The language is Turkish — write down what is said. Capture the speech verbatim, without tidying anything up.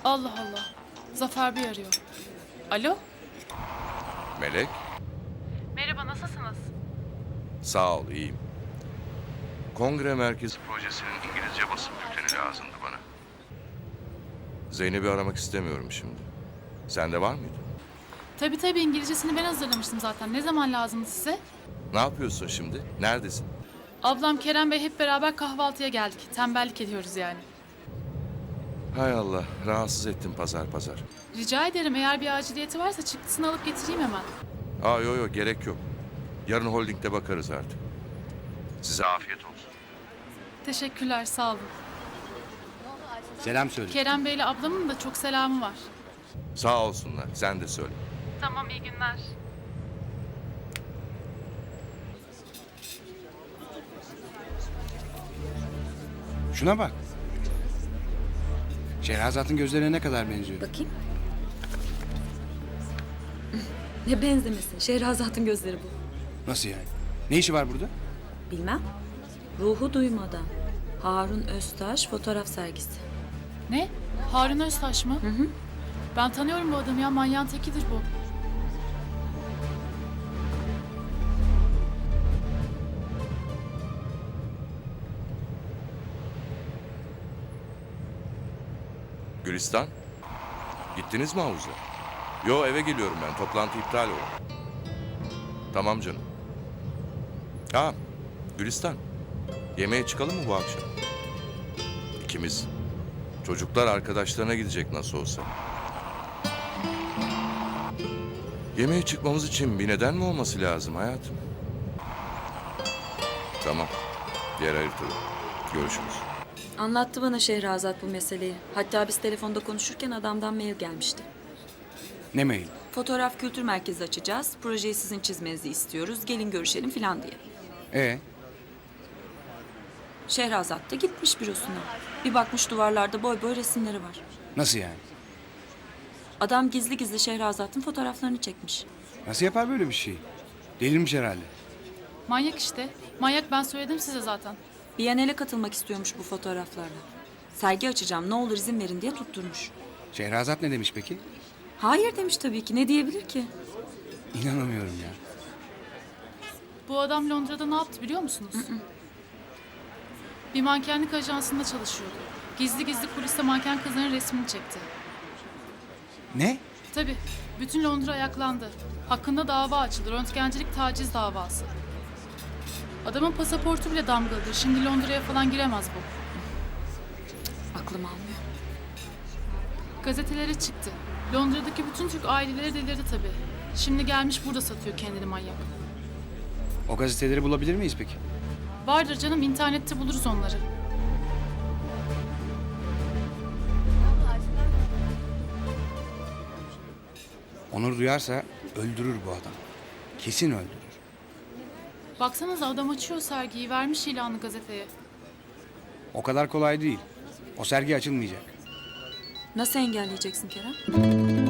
Allah Allah. Zafer Bey arıyor. Alo? Melek, Merhaba, nasılsınız? sağ ol, iyiyim. Kongre Merkezi Projesi'nin İngilizce basın bülteni lazımdı bana. Zeynep'i aramak istemiyorum şimdi. Sende var mıydı? Tabii tabii, İngilizcesini ben hazırlamıştım zaten. Ne zaman lazımdı size? Ne yapıyorsun şimdi? Neredesin? Ablam Kerem Bey hep beraber kahvaltıya geldik. Tembellik ediyoruz yani. Hay Allah, rahatsız ettim pazar pazar. Rica ederim, eğer bir aciliyeti varsa çıktısını alıp getireyim hemen. Aa yo yo, gerek yok. Yarın holdingde bakarız artık. Size afiyet olsun. Teşekkürler, sağ olun. Selam söyle. Kerem Bey'le ablamın da çok selamı var. Sağ olsunlar, sen de söyle. Tamam, iyi günler. Şuna bak. Şehrazat'ın gözlerine ne kadar benziyor. Bakayım. Ne benzemesin. Şehrazat'ın gözleri bu. Nasıl yani? Ne işi var burada? Bilmem. Ruhu duymadan. Harun Öztaş fotoğraf sergisi. Ne? Harun Öztaş mı? Hı hı. Ben tanıyorum bu adamı ya, manyağın tekidir bu. Gülistan, gittiniz mi havuza? Yo, eve geliyorum ben, toplantı iptal oldu. Tamam canım. Ha, Gülistan, yemeğe çıkalım mı bu akşam? İkimiz. Çocuklar arkadaşlarına gidecek nasıl olsa. Yemeğe çıkmamız için bir neden mi olması lazım hayatım? Tamam, diğer haritada. Görüşürüz. Anlattı bana Şehrazat bu meseleyi. Hatta biz telefonda konuşurken adamdan mail gelmişti. Ne mail? Fotoğraf kültür merkezi açacağız. Projeyi sizin çizmenizi istiyoruz. Gelin görüşelim falan diye. Ee, Şehrazat da gitmiş bürosuna. Bir bakmış duvarlarda boy boy resimleri var. nasıl yani? Adam gizli gizli Şehrazat'ın fotoğraflarını çekmiş. Nasıl yapar böyle bir şey? Delirmiş herhalde. Manyak işte. Manyak, ben söyledim size zaten. Biennale katılmak istiyormuş bu fotoğraflarla. Sergi açacağım, ne olur izin verin diye tutturmuş. Şehrazat ne demiş peki? Hayır demiş tabii ki. Ne diyebilir ki? İnanamıyorum ya. Bu adam Londra'da ne yaptı biliyor musunuz? Bir mankenlik ajansında çalışıyordu. Gizli gizli kuliste manken kızların resmini çekti. Ne? Tabii. Bütün Londra ayaklandı. Hakkında dava açıldı. Röntgencilik taciz davası. Adamın pasaportu bile damgalıdır. Şimdi Londra'ya falan giremez bu. Aklım almıyor. Gazetelere çıktı. Londra'daki bütün Türk aileleri delirdi tabii. Şimdi gelmiş burada satıyor kendini manyak. O gazeteleri bulabilir miyiz peki? Vardır canım, internette buluruz onları. Onur duyarsa öldürür bu adam. Kesin öldürür. Baksanıza, adam açıyor sergiyi, vermiş ilanı gazeteye. O kadar kolay değil. O sergi açılmayacak. Nasıl engelleyeceksin Kerem?